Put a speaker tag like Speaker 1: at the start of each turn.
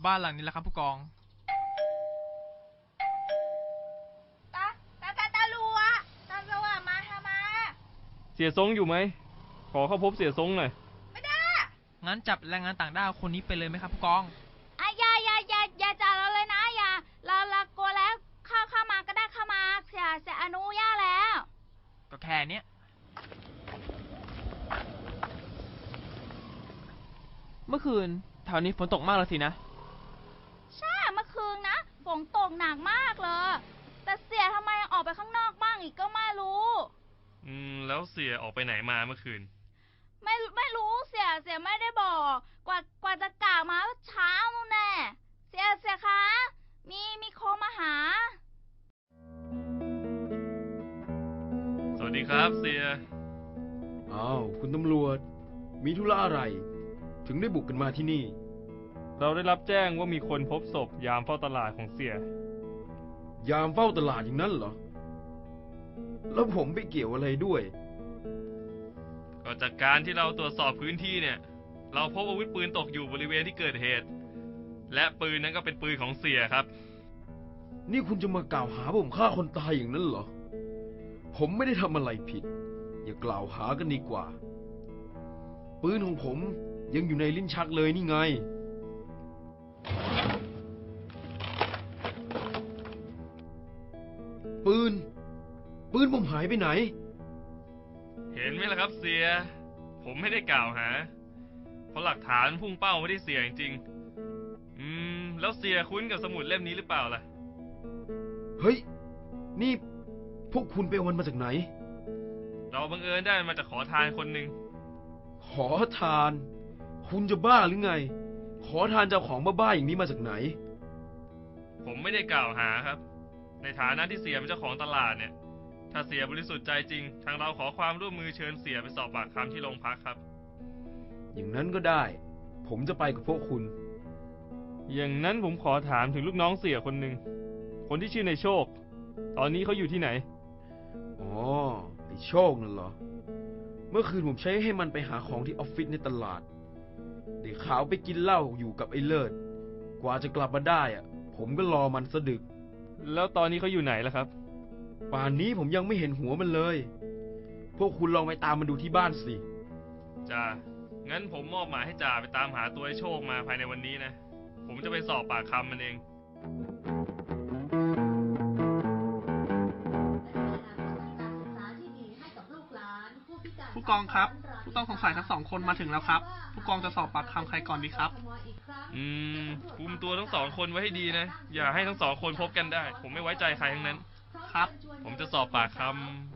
Speaker 1: บ้านหลังนี้แหละครับผู้กอง
Speaker 2: ตาลัวมาทำไม
Speaker 3: เสียทรงอยู่ไหมขอเข้าพบเสียทรงหน่อย
Speaker 2: ไม่ได้
Speaker 1: งั้นจับแรงงานต่างด้าวคนนี้ไปเลยไหมครับผู้กอง
Speaker 2: อย่าจับเราเลยนะอย่าเรากลัวแล้วเข้ามาก็ได้เข้ามาเสียอนุญาตแล้ว
Speaker 1: ก็แค่เนี้ยเมื่อคืนแถวนี้ฝนตกมากเลยสินะ
Speaker 2: ใช่เมื่อคืนนะฝนตกหนักมากเลยแต่เสียทำไมออกไปข้างนอกบ้างอีกก็ไม่รู้
Speaker 3: แล้วเสียออกไปไหนมาเมื่อคืน
Speaker 2: ไม่รู้เสียไม่ได้บอกกว่าจะกล่าวมาเช้านู่นแน่เสียคะมีโคมาหา
Speaker 3: สวัสดีครับเสีย
Speaker 4: อ้าวคุณตำรวจมีธุระอะไรถึงได้บุกกันมาที่นี่
Speaker 3: เราได้รับแจ้งว่ามีคนพบศพยามเฝ้าตลาดของเสีย
Speaker 4: ยามเฝ้าตลาดอย่างนั้นเหรอแล้วผมไปเกี่ยวอะไรด้วย
Speaker 3: ก็จากการที่เราตรวจสอบพื้นที่เนี่ยเราพบอาวุธปืนตกอยู่บริเวณที่เกิดเหตุและปืนนั้นก็เป็นปืนของเสียครับ
Speaker 4: นี่คุณจะมากล่าวหาผมฆ่าคนตายอย่างนั้นเหรอผมไม่ได้ทำอะไรผิดอย่ากล่าวหากันดีกว่าปืนของผมยังอยู่ในลิ้นชักเลยนี่ไงปืนผมหายไปไหน
Speaker 3: เห็นไหมล่ะครับเสียผมไม่ได้กล่าวหาเพราะหลักฐานพุ่งเป้าไม่ได้เสียจริงแล้วเสียคุ้นกับสมุดเล่มนี้หรือเปล่าล่ะ
Speaker 4: เฮ้ยนี่พวกคุณไปเอามันมาจากไหน
Speaker 3: เราบังเอิญได้มาจากขอทานคนหนึ่ง
Speaker 4: ขอทานคุณจะบ้าหรือไงขอทานเจ้าของบ้าๆอย่างนี้มาจากไหน
Speaker 3: ผมไม่ได้กล่าวหาครับในฐานะที่เสียเป็นเจ้าของตลาดเนี่ยถ้าเสียบริสุทธิ์ใจจริงทางเราขอความร่วมมือเชิญเสียไปสอบปากคำที่โรงพักครับ
Speaker 4: อย่างนั้นก็ได้ผมจะไปกับพวกคุณ
Speaker 3: อย่างนั้นผมขอถามถึงลูกน้องเสียคนหนึ่งคนที่ชื่อในโชคตอนนี้เขาอยู่ที่ไหน
Speaker 4: อ๋อไอ้โชคนั่นเหรอเมื่อคืนผมใช้ให้มันไปหาของที่ออฟฟิศในตลาดเด็กขาวไปกินเหล้าอยู่กับไอ้เลิศกว่าจะกลับมาได้ผมก็รอมันสะดึก
Speaker 3: แล้วตอนนี้เขาอยู่ไหนล่ะครับ
Speaker 4: ป่านนี้ผมยังไม่เห็นหัวมันเลยพวกคุณลองไปตามมันดูที่บ้านสิ
Speaker 3: จ่างั้นผมมอบหมายให้จ่าไปตามหาตัวไอ้โชคมาภายในวันนี้นะผมจะไปสอบปากคำมันเอง
Speaker 1: ผู้กองครับผู้ต้องสงสัยทั้ง2 คนมาถึงแล้วครับผู้กองจะสอบปากคำใครก่อนดีครับ
Speaker 3: คุมตัวทั้ง2 คนไว้ให้ดีนะอย่าให้ทั้ง2 คนพบกันได้ผมไม่ไว้ใจใครทั้งนั้น
Speaker 1: ครับ
Speaker 3: ผมจะสอบปากคำ